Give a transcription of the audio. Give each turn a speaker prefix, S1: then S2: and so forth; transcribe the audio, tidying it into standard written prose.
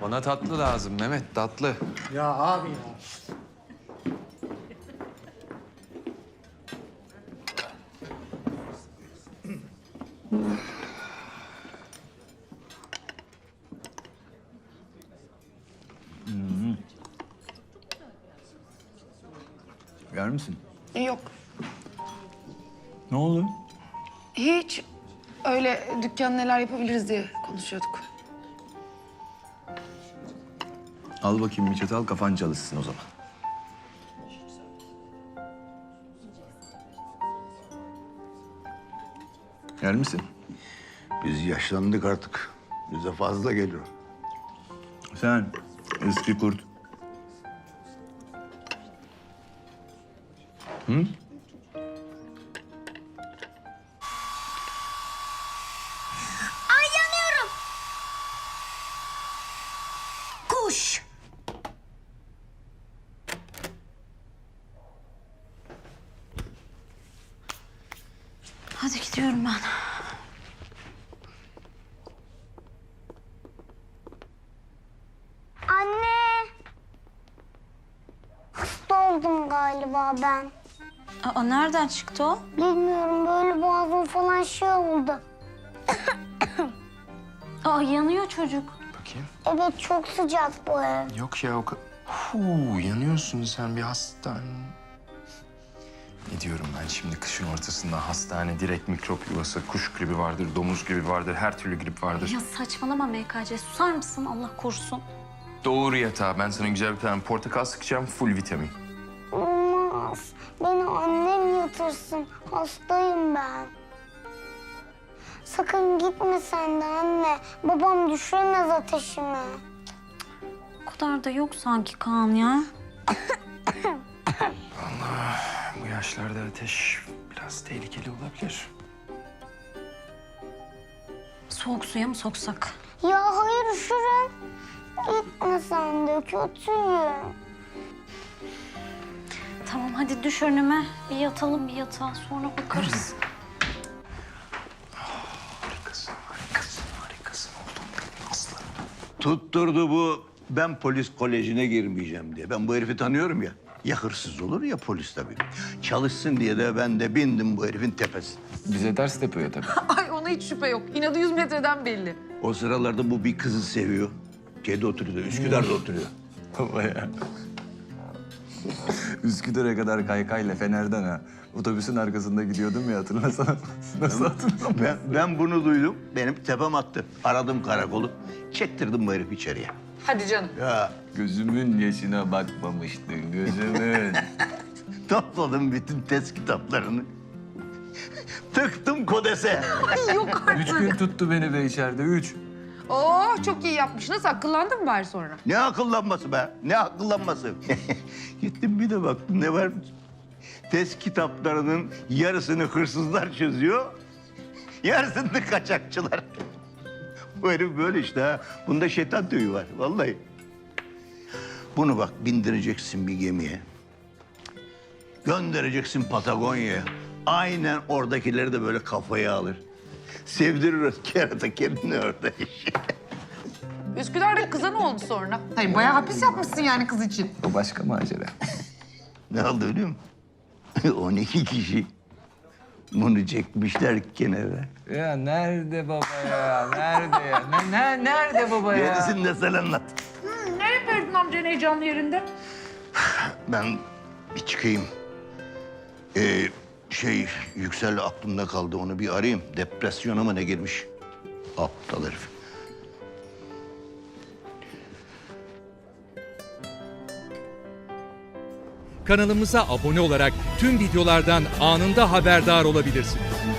S1: Bana tatlı lazım Mehmet, tatlı.
S2: Ya abi ya.
S3: Yer misin?
S4: Yok.
S3: Ne oldu?
S4: Hiç. Öyle dükkan neler yapabiliriz diye konuşuyorduk.
S3: Al bakayım bir çatal, kafan çalışsın o zaman. Yer misin?
S5: Biz yaşlandık artık. Bize fazla geliyor.
S3: Sen eski kurt.
S6: Ay yanıyorum. Kuş. Hadi gidiyorum ben.
S7: Anne. Hasta oldum galiba ben.
S6: Aa, nereden çıktı o?
S7: Bilmiyorum böyle boğazım falan şey oldu.
S6: Aa, yanıyor çocuk.
S1: Bakayım.
S7: Evet çok sıcak bu ev.
S1: Yok ya o kadar... yanıyorsun sen bir hastane. Ne diyorum ben şimdi kışın ortasında hastane, direkt mikrop yuvası, kuş gribi vardır, domuz gribi vardır, her türlü grip vardır.
S6: Ya saçmalama MKC. Susar mısın? Allah korusun.
S1: Doğru yatağa. Ben sana güzel bir tane portakal sıkacağım, full vitamin.
S7: Olmaz. Beni annem yatırsın. Hastayım ben. Sakın gitme sen de anne. Babam düşüremez ateşimi.
S6: O kadar da yok sanki Kaan ya.
S1: Bu yaşlarda ateş biraz tehlikeli olabilir.
S6: Soğuk suya mı soksak?
S7: Ya hayır üşürüm. Gitme sen de kötüyüm.
S6: Tamam hadi düş önüme. Bir yatalım bir yatağa sonra bakarız.
S1: Harikasın, harikasın, harikasın. Oldum benim aslanım.
S5: Tutturdu bu. Ben polis kolejine girmeyeceğim diye. Ben bu herifi tanıyorum ya. Ya hırsız olur ya polis tabii. Çalışsın diye de ben de bindim bu herifin tepesine.
S1: Bize ters tepiyor tabii.
S4: Ay ona hiç şüphe yok. İnadı 100 metreden belli.
S5: O sıralarda bu bir kızı seviyor. Şeyde oturuyor, Üsküdar'da oturuyor.
S3: Baba ya. Üsküdar'a kadar kaykayla Fener'den ha. Otobüsün arkasında gidiyordum ya, hatırlasana. Nasıl hatırlamam?
S5: Ben bunu duydum. Benim tepem attı. Aradım karakolu. Çektirdim bu herifi içeriye.
S4: Hadi canım.
S5: Ya
S3: Gözümün yaşına bakmamıştın, gözümün.
S5: topladım bütün test kitaplarını. Tıktım kodese.
S4: Yok artık.
S3: 3 gün tuttu beni be içeride, 3.
S4: Oo çok iyi yapmış. Nasıl akıllandın mı bari sonra?
S5: Ne akıllanması be? Ne akıllanması? Gittim bir de baktım ne var? Test kitaplarının yarısını hırsızlar çözüyor. Yarısını da kaçakçılar. Bu herif böyle işte ha. Bunda şeytan tüyü var vallahi. Bunu bak bindireceksin bir gemiye. Göndereceksin Patagonya'ya. Aynen oradakileri de böyle kafaya alır. Sevdirir kerata kendini orada.
S4: Üsküdar'da kıza ne oldu sonra? Hayır bayağı hapis yapmışsın yani kız için.
S3: O başka macera.
S5: Ne oldu biliyor musun? 12 kişi bunu çekmişler kenara.
S3: Ya nerede baba ya? Nerede ya? Nerede baba ya?
S5: Gerisini de sen anlat.
S4: Ne yapıyordun amcanın heyecanlı yerinde?
S5: Ben bir çıkayım. Yüksel aklımda kaldı. Onu bir arayayım. Depresyona mı ne girmiş? Aptal herif.
S8: Kanalımıza abone olarak tüm videolardan anında haberdar olabilirsiniz.